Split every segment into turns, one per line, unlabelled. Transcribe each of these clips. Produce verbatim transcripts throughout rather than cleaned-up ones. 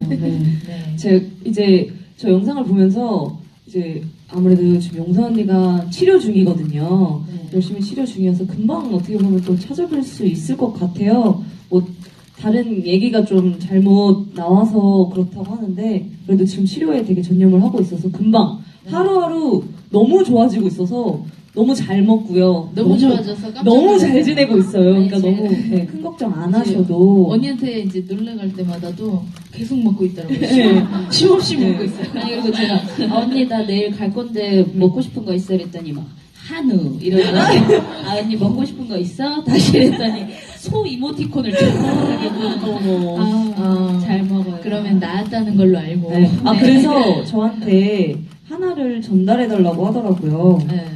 네.
네.
제가 이제 저 영상을 보면서 이제 아무래도 지금 용서 언니가 치료 중이거든요.
네.
열심히 치료 중이어서 금방 어떻게 보면 또 찾아뵐 수 있을 것 같아요. 뭐 다른 얘기가 좀 잘못 나와서 그렇다고 하는데 그래도 지금 치료에 되게 전념을 하고 있어서 금방 하루하루 너무 좋아지고 있어서 너무 잘 먹고요.
너무 좋아져서 깜짝
너무
놀랐어요.
잘 지내고 있어요.
아니,
그러니까
제가-
너무 네, 큰 걱정 안
이제
하셔도
언니한테 이제 놀러 갈 때마다도 계속 먹고 있더라고요.
네.
쉼없이
네.
먹고 있어요.
아니 그리고 제가 아, 언니 나 내일 갈 건데 먹고 싶은 거 있어 이랬더니 막 한우 이러더니 아 언니 먹고 싶은 거 있어? 다시 이랬더니 소 이모티콘을
어머.
아,
아,
잘 먹어요.
그러면 나았다는 걸로 알고.
네. 아
네.
그래서 저한테 하나를 전달해 달라고 하더라고요.
네.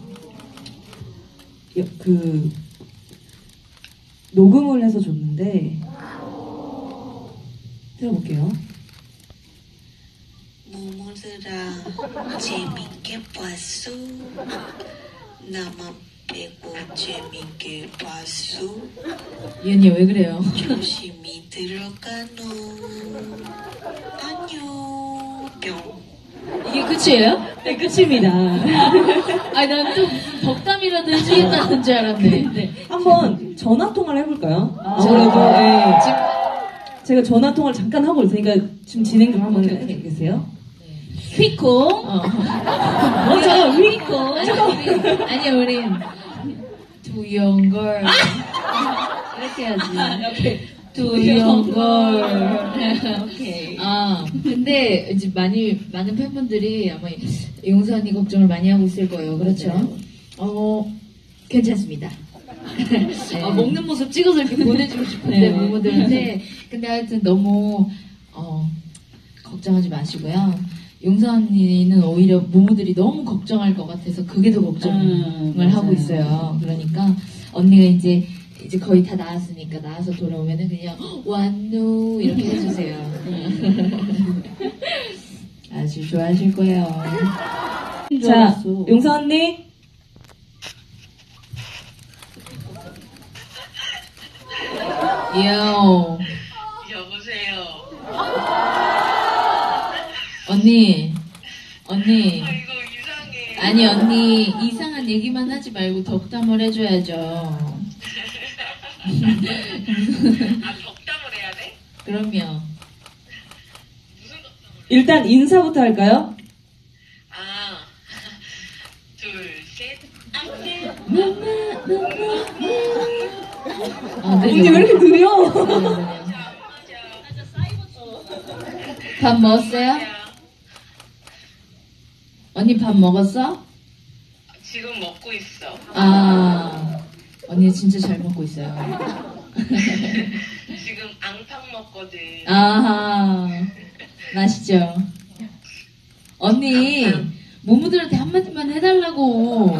여- 그 녹음을 해서 줬는데 들어볼게요.
모모들아 재밌게 봤어? 나만 빼고 재밌게 봤어?
이 언니 왜 그래요?
조심히 들어가노. 안녕. 뿅.
이게 끝이에요?
네 끝입니다.
아니 난 또 무슨 덕담이라도 해주겠다는 줄 알았네. 네.
한번 전화 통화를 해볼까요?
아,
아무래도 예.
지금
제가 전화 통화를 잠깐 하고 있으니까 지금 진행 좀 한번
오케이, 오케이.
해주세요.
휘콩
어.
먼저 휘콩
아니 우리 아니 우린 두 young girl 이렇게 해야지. 두 young girl.
오케이.
아 근데 이제 많이 많은 팬분들이 아마 용서 언니 걱정을 많이 하고 있을 거예요. 그렇죠? 어 괜찮습니다. 아, 먹는 모습 찍어서 이렇게 보내주고 싶은데
네.
부모들한테 근데 하여튼 너무 어, 걱정하지 마시고요. 용서 언니는 오히려 부모들이 너무 걱정할 것 같아서 그게 더 걱정을
음,
하고
맞아요.
있어요. 그러니까 언니가 이제 이제 거의 다 나았으니까 나와서 돌아오면은 그냥 완누 이렇게 해주세요. 아주 좋아하실 거예요.
자, 용서 언니.
요
여보세요.
언니 언니
아 이거 이상해.
아니 언니 이상한 얘기만 하지 말고 덕담을 해줘야죠.
아 덕담을 해야 돼?
그럼요.
무슨 덕담을?
일단 인사부터 할까요?
아 둘, 셋, 안녕.
아, 네,
언니
네.
왜 이렇게 느려?
네, 네, 네. 밥 먹었어요? 언니 밥 먹었어?
지금 먹고 있어.
아 언니 진짜 잘 먹고 있어요.
지금 앙팡 먹거든.
아하 맛있죠. 언니 모모들한테 한마디만 해달라고.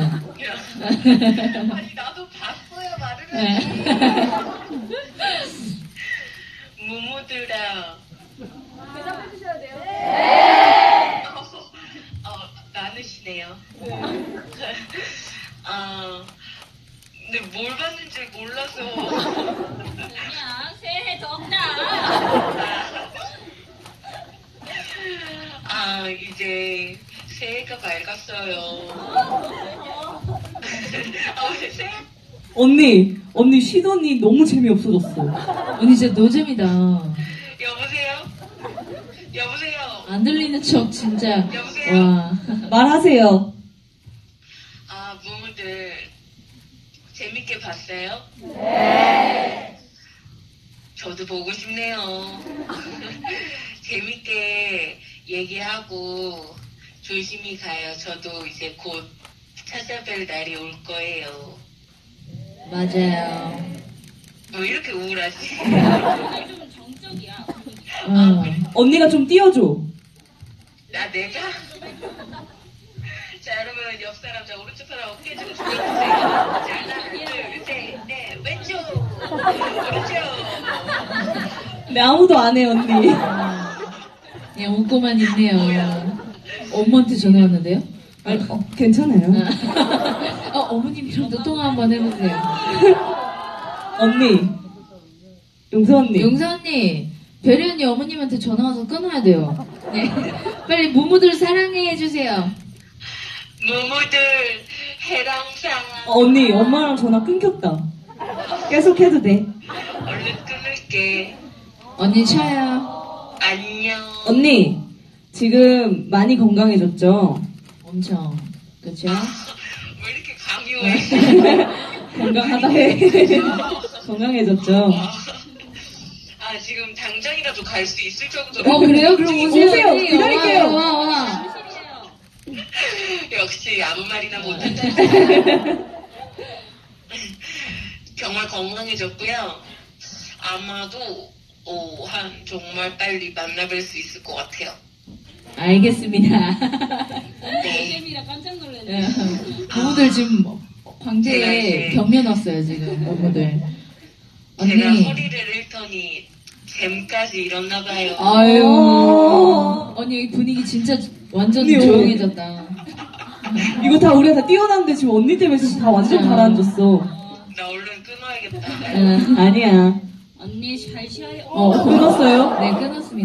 아니 나도 봤어요 말을
네.
해야지. 무무들아. 대답해 주셔야 돼요. 네. 어, 어 많으시네요. 아 근데 뭘 봤는지 몰라서.
그냥 새해 덕담
아 이제 새해가 밝았어요. 아 왜 새해?
언니, 언니 쉬더니 너무 재미없어졌어.
언니 진짜 노잼이다.
여보세요? 여보세요?
안 들리는 척 진짜.
여보세요?
와.
말하세요.
아 무무들 재밌게 봤어요? 네. 저도 보고 싶네요. 재밌게 얘기하고 조심히 가요. 저도 이제 곧 찾아뵐 날이 올 거예요.
맞아요.
뭐 이렇게 우울하지?
좀 정적이야.
어.
언니가 좀 띄워줘.
나 내가? 자 여러분 옆 사람 자 오른쪽 사람 어깨 좀 숙여주세요. 자 하나 둘셋넷 왼쪽 오른쪽.
네, 아무도 안 해, 언니.
그냥 웃고만 있네요. 엄마한테 전화 왔는데요?
아니, 어, 괜찮아요.
어, 어머님이랑도 통화 한번 해보세요.
언니. 용서 언니.
용서 언니, 별이 언니 어머님한테 전화 와서 끊어야 돼요. 네. 빨리 무무들 사랑해 해주세요.
무무들 해랑상
어, 언니, 엄마랑 전화 끊겼다. 계속 해도 돼.
얼른 끊을게.
언니 쳐요.
안녕.
언니, 지금 많이 건강해졌죠?
엄청. 그쵸?
왜 이렇게 강요해?
건강하다 해. 건강해졌죠?
아, 지금 당장이라도 갈 수 있을 정도로.
어, 그래요? 그럼 오세요.
오세요.
언니.
기다릴게요.
와, 와, 와.
역시 아무 말이나 못한다. 정말 건강해졌고요. 아마도 오, 한 정말 빨리 만나뵐 수 있을 것 같아요.
알겠습니다.
네.
깜짝 놀랐네.
무무들 지금
제가
광대에
이제-
경련 왔어요, 지금. 무무들.
제가
언니.
허리를 잃더니 잼까지 잃었나 봐요.
아유.
어.
언니 분위기 진짜 완전
언니,
조용해졌다.
이거 다 우리가 다 뛰어났는데 지금 언니 때문에 지금 다 완전
진짜.
가라앉았어.
나 얼른 끊어야겠다.
응.
아니야.
언니 잘 쉬어요.
어,
끊었어요?
네, 끊었습니다.